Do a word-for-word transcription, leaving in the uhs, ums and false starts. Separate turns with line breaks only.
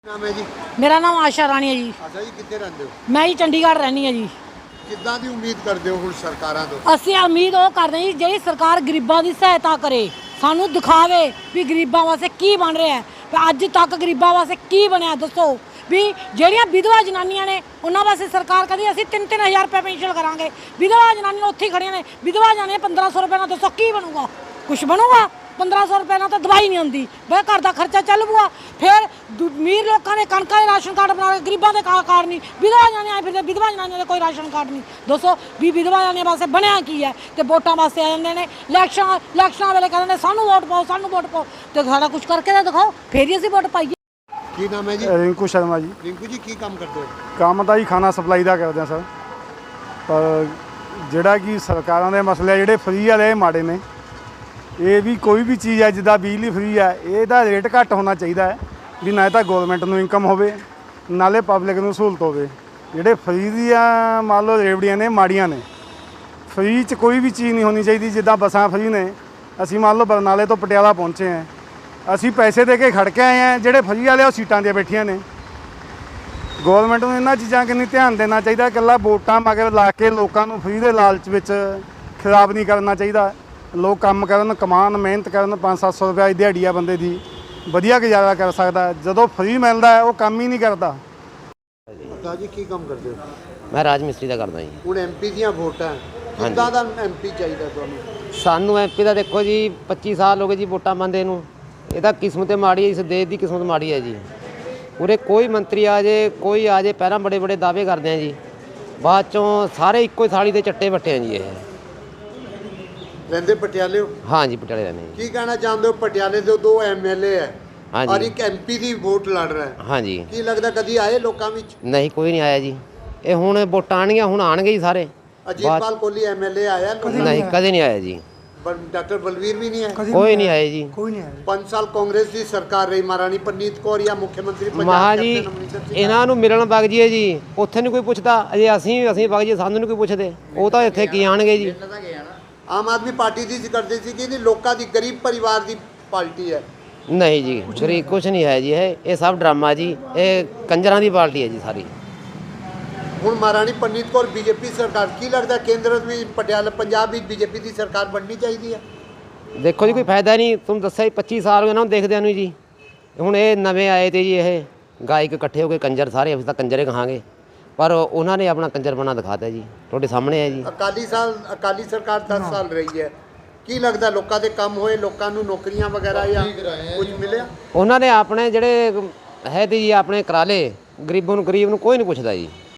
ਨਾਮ ਹੈ ਜੀ?
ਮੇਰਾ ਨਾਮ ਆਸ਼ਾ ਰਾਣੀ ਹੈ ਜੀ।
ਅੱਛਾ ਜੀ, ਕਿੱਥੇ ਰਹਿੰਦੇ ਹੋ?
ਮੈਂ ਜੀ ਚੰਡੀਗੜ੍ਹ ਰਹਿੰਦੀ ਹਾਂ ਜੀ।
ਕਿੱਦਾਂ ਦੀ ਉਮੀਦ ਕਰਦੇ ਹੋ ਹੁਣ ਸਰਕਾਰਾਂ ਤੋਂ?
ਅਸੀਂ ਉਮੀਦ ਉਹ ਕਰਦੇ ਹਾਂ ਜੀ ਜਿਹੜੀ ਸਰਕਾਰ ਗਰੀਬਾਂ ਦੀ ਸਹਾਇਤਾ ਕਰੇ, ਸਾਨੂੰ ਦਿਖਾਵੇ ਵੀ ਗਰੀਬਾਂ ਵਾਸਤੇ ਕੀ ਬਣ ਰਿਹਾ ਹੈ। ਵੀ ਅੱਜ ਤੱਕ ਗਰੀਬਾਂ ਵਾਸਤੇ ਕੀ ਬਣਿਆ ਦੱਸੋ। ਵੀ ਜਿਹੜੀਆਂ ਵਿਧਵਾ ਜਨਾਨੀਆਂ ਨੇ ਉਹਨਾਂ ਵਾਸਤੇ ਸਰਕਾਰ ਕਹਿੰਦੀ ਅਸੀਂ ਤਿੰਨ ਤਿੰਨ ਹਜ਼ਾਰ ਰੁਪਏ ਪੈਨਸ਼ਨ ਕਰਾਂਗੇ। ਵਿਧਵਾ ਜਨਾਨੀਆਂ ਉੱਥੇ ਹੀ ਖੜੀਆਂ ਨੇ, ਵਿਧਵਾ ਜਾਣੇ ਪੰਦਰਾਂ ਸੌ ਰੁਪਏ ਨਾਲ ਦੱਸੋ ਕੀ ਬਣੂਗਾ? ਕੁਛ ਬਣੂਗਾ? ਪੰਦਰਾਂ ਸੌ ਰੁਪਏ ਨਾਲ ਤਾਂ ਦਵਾਈ ਨਹੀਂ ਆਉਂਦੀ, ਬਈ ਘਰ ਦਾ ਖਰਚਾ ਚੱਲ ਪੂਗਾ। ਫਿਰ ਅਮੀਰ ਲੋਕਾਂ ਨੇ ਕਣਕਾਂ ਦੇ ਰਾਸ਼ਨ ਕਾਰਡ ਬਣਾ ਕੇ, ਗਰੀਬਾਂ ਦੇ ਕਾ ਕਾਰਡ ਨਹੀਂ। ਵਿਧਵਾ ਜਾਣੇ ਆਏ ਫਿਰਦੇ, ਵਿਧਵਾ ਜਨਾਨੀਆਂ ਦੇ ਕੋਈ ਰਾਸ਼ਨ ਕਾਰਡ ਨਹੀਂ। ਦੱਸੋ ਵੀ ਵਿਧਵਾ ਜਾਣੇ ਵਾਸਤੇ ਬਣਿਆ ਕੀ ਹੈ? ਤੇ ਵੋਟਾਂ ਵਾਸਤੇ ਆ ਜਾਂਦੇ ਨੇ, ਇਲੈਕਸ਼ਨ ਇਲੈਕਸ਼ਨਾਂ ਵੇਲੇ ਕਹਿੰਦੇ ਨੇ ਸਾਨੂੰ ਵੋਟ ਪਾਓ, ਸਾਨੂੰ ਵੋਟ ਪਾਓ। ਤੇ ਸਾਡਾ ਕੁਛ ਕਰਕੇ ਤਾਂ ਦਿਖਾਓ, ਫੇਰ ਹੀ ਅਸੀਂ ਵੋਟ ਪਾਈਏ।
ਕੀ ਨਾਮ ਹੈ ਜੀ?
ਰਿੰਕੂ ਸ਼ਰਮਾ ਜੀ।
ਰਿੰਕੂ ਜੀ, ਕੀ ਕੰਮ ਕਰਦੇ ਹੋ?
ਕੰਮ ਤਾਂ ਜੀ ਖਾਣਾ ਸਪਲਾਈ ਦਾ ਕਰਦੇ ਆ ਸਰ। ਪਰ ਜਿਹੜਾ ਕਿ ਸਰਕਾਰਾਂ ਦੇ ਮਸਲੇ ਜਿਹੜੇ ਫਰੀ ਵਾਲੇ ਇਹ ਮਾੜੇ ਨੇ। ਇਹ ਵੀ ਕੋਈ ਵੀ ਚੀਜ਼ ਹੈ ਜਿੱਦਾਂ ਬਿਜਲੀ ਫਰੀ ਹੈ, ਇਹਦਾ ਰੇਟ ਘੱਟ ਹੋਣਾ ਚਾਹੀਦਾ ਹੈ ਵੀ ਨਾ ਤਾਂ ਗੌਰਮੈਂਟ ਨੂੰ ਇਨਕਮ ਹੋਵੇ ਨਾਲੇ ਪਬਲਿਕ ਨੂੰ ਸਹੂਲਤ ਹੋਵੇ। ਜਿਹੜੇ ਫਰੀ ਦੀਆਂ ਮੰਨ ਲਓ ਰੇਵੜੀਆਂ ਨੇ ਮਾੜੀਆਂ ਨੇ। ਫਰੀ 'ਚ ਕੋਈ ਵੀ ਚੀਜ਼ ਨਹੀਂ ਹੋਣੀ ਚਾਹੀਦੀ। ਜਿੱਦਾਂ ਬੱਸਾਂ ਫਰੀ ਨੇ, ਅਸੀਂ ਮੰਨ ਲਓ ਬਰਨਾਲੇ ਤੋਂ ਪਟਿਆਲਾ ਪਹੁੰਚੇ ਹਾਂ, ਅਸੀਂ ਪੈਸੇ ਦੇ ਕੇ ਖੜ ਕੇ ਆਏ ਹਾਂ, ਜਿਹੜੇ ਫਰੀ ਵਾਲੇ ਉਹ ਸੀਟਾਂ 'ਤੇ ਬੈਠੀਆਂ ਨੇ। ਗੌਰਮੈਂਟ ਨੂੰ ਇਹਨਾਂ ਚੀਜ਼ਾਂ ਕਿੰਨੀ ਧਿਆਨ ਦੇਣਾ ਚਾਹੀਦਾ। ਇਕੱਲਾ ਵੋਟਾਂ ਮਗਰ ਲਾ ਕੇ ਲੋਕਾਂ ਨੂੰ ਫਰੀ ਦੇ ਲਾਲਚ ਵਿੱਚ ਖਰਾਬ ਨਹੀਂ ਕਰਨਾ ਚਾਹੀਦਾ। ਲੋਕ ਕੰਮ ਕਰਨ, ਕਮਾਉਣ, ਮਿਹਨਤ ਕਰਨ। ਪੰਜ ਸੱਤ ਸੌ ਰੁਪਏ ਦਿਹਾੜੀ ਆ ਬੰਦੇ ਦੀ, ਵਧੀਆ ਗੁਜ਼ਾਰਾ ਕਰ ਸਕਦਾ। ਜਦੋਂ ਫਰੀ ਮਿਲਦਾ ਹੈ ਉਹ ਕੰਮ ਹੀ ਨਹੀਂ ਕਰਦਾ।
ਅੱਛਾ ਜੀ, ਕੀ ਕੰਮ ਕਰਦੇ ਹੋ?
ਮੈਂ ਰਾਜ ਮਿਸਤਰੀ ਦਾ ਕਰਦਾ ਜੀ।
ਹੁਣ ਐਮਪੀ ਦੀਆਂ ਵੋਟਾਂ, ਕਿੱਦਾਂ ਦਾ ਐਮਪੀ ਚਾਹੀਦਾ ਤੁਹਾਨੂੰ?
ਸਾਨੂੰ ਐਮਪੀ ਦਾ ਦੇਖੋ ਜੀ ਪੱਚੀ ਸਾਲ ਹੋ ਗਏ ਜੀ ਵੋਟਾਂ ਪਾਉਂਦੇ ਨੂੰ। ਇਹ ਤਾਂ ਕਿਸਮਤ ਮਾੜੀ ਹੈ, ਇਸ ਦੇਸ਼ ਦੀ ਕਿਸਮਤ ਮਾੜੀ ਹੈ ਜੀ। ਉਰੇ ਕੋਈ ਮੰਤਰੀ ਆ ਜੇ, ਕੋਈ ਆ ਜੇ, ਪਹਿਲਾਂ ਬੜੇ ਬੜੇ ਦਾਅਵੇ ਕਰਦੇ ਆ ਜੀ, ਬਾਅਦ ਚੋਂ ਸਾਰੇ ਇੱਕੋ ਹੀ ਥਾਲੀ ਦੇ ਚੱਟੇ ਬੱਟੇ ਆ ਜੀ। ਇਹ
ਰਹਿੰਦੇ ਪਟਿਆਲੇ ਹੋ?
ਹਾਂ ਜੀ, ਪਟਿਆਲੇ ਰਹਿੰਦੇ ਜੀ।
ਕੀ ਕਹਿਣਾ ਚਾਹੁੰਦੇ ਹੋ? ਪਟਿਆਲੇ ਦੇ ਦੋ ਐਮਐਲਏ ਹੈ
ਹਾਂਜੀ।
ਔਰ ਇੱਕ ਐਮਪੀ ਦੀ ਵੋਟ ਲੜ ਰਿਹਾ ਹੈ।
ਹਾਂ ਜੀ।
ਕੀ ਲੱਗਦਾ ਕਦੀ ਆਏ ਲੋਕਾਂ ਵਿੱਚ?
ਨਹੀਂ, ਕੋਈ ਨਹੀਂ ਆਇਆ ਜੀ। ਇਹ ਹੁਣ ਵੋਟਾਂ ਆਉਣਗੀਆਂ, ਹੁਣ ਆਉਣਗੇ ਜੀ ਸਾਰੇ।
ਅਜੀਤਪਾਲ ਕੋਹਲੀ ਐਮਐਲਏ ਆਇਆ?
ਨਹੀਂ, ਕਦੇ ਨਹੀਂ ਆਇਆ ਜੀ।
ਡਾਕਟਰ ਬਲਵੀਰ ਵੀ ਨਹੀਂ ਹੈ?
ਕੋਈ ਨਹੀਂ ਆਇਆ ਜੀ।
ਪੰਜ ਸਾਲ ਕਾਂਗਰਸ ਦੀ ਸਰਕਾਰ ਰਹੀ, ਮਹਾਰਾਣੀ ਪ੍ਰਨੀਤ ਕੌਰ ਜਾਂ ਮੁੱਖ ਮੰਤਰੀ ਪੰਜਾਬ
ਮਹਾ ਜੀ
ਕੈਪਟਨ ਅਮਰਿੰਦਰ ਸਿੰਘ।
ਇਹਨਾਂ ਨੂੰ ਮਿਲਣ ਵਗ ਜੀਏ ਜੀ, ਉੱਥੇ ਨਹੀਂ ਕੋਈ ਪੁੱਛਦਾ। ਅਜੇ ਅਸੀਂ ਅਸੀਂ ਵਗ ਜੀਏ, ਸਾਨੂੰ ਨਹੀਂ ਕੋਈ ਪੁੱਛਦੇ। ਉਹ ਤਾਂ ਇੱਥੇ ਕੀ ਆਣਗੇ ਜੀ।
ਆਮ ਆਦਮੀ ਪਾਰਟੀ ਦੀ ਕਰਦੇ ਸੀ ਕਿ ਲੋਕਾਂ ਦੀ ਗਰੀਬ ਪਰਿਵਾਰ ਦੀ ਪਾਰਟੀ ਹੈ।
ਨਹੀਂ ਜੀ, ਗਰੀਬ ਕੁਛ ਨਹੀਂ ਹੈ ਜੀ। ਇਹ ਇਹ ਸਭ ਡਰਾਮਾ ਜੀ। ਇਹ ਕੰਜਰਾਂ ਦੀ ਪਾਰਟੀ ਹੈ ਜੀ ਸਾਰੀ।
ਹੁਣ ਮਹਾਰਾਣੀ ਪ੍ਰਨੀਤ ਕੌਰ ਬੀਜੇਪੀ ਸਰਕਾਰ, ਕੀ ਲੱਗਦਾ ਕੇਂਦਰ ਵਿੱਚ ਪਟਿਆਲਾ ਪੰਜਾਬ ਵਿੱਚ ਬੀਜੇਪੀ ਦੀ ਸਰਕਾਰ ਬਣਨੀ ਚਾਹੀਦੀ ਹੈ?
ਦੇਖੋ ਜੀ, ਕੋਈ ਫਾਇਦਾ ਨਹੀਂ। ਤੁਹਾਨੂੰ ਦੱਸਿਆ ਜੀ ਪੱਚੀ ਸਾਲ ਹੋ ਗਏ ਨਾ ਦੇਖਦਿਆਂ ਨੂੰ ਜੀ। ਹੁਣ ਇਹ ਨਵੇਂ ਆਏ ਤੇ ਜੀ, ਇਹ ਗਾਇਕ ਇਕੱਠੇ ਹੋ ਕੇ ਕੰਜਰ, ਸਾਰੇ ਅਸੀਂ ਤਾਂ ਕੰਜਰੇ ਕਹਾਂਗੇ, ਪਰ ਉਹਨਾਂ ਨੇ ਆਪਣਾ ਕੰਜਰਪਣਾ ਦਿਖਾਤਾ ਜੀ। ਤੁਹਾਡੇ ਸਾਹਮਣੇ ਹੈ ਜੀ।
ਅਕਾਲੀ ਸਾਲ ਅਕਾਲੀ ਸਰਕਾਰ ਦਸ ਸਾਲ ਰਹੀ ਹੈ। ਕੀ ਲੱਗਦਾ ਲੋਕਾਂ ਦੇ ਕੰਮ ਹੋਏ, ਲੋਕਾਂ ਨੂੰ ਨੌਕਰੀਆਂ ਵਗੈਰਾ ਜਾਂ ਕੁਝ ਮਿਲਿਆ?
ਉਹਨਾਂ ਨੇ ਆਪਣੇ ਜਿਹੜੇ ਹੈ ਤੇ ਜੀ ਆਪਣੇ ਕਰਾ ਲਏ। ਗਰੀਬਾਂ ਨੂੰ, ਗਰੀਬ ਨੂੰ ਕੋਈ ਨਹੀਂ ਪੁੱਛਦਾ ਜੀ।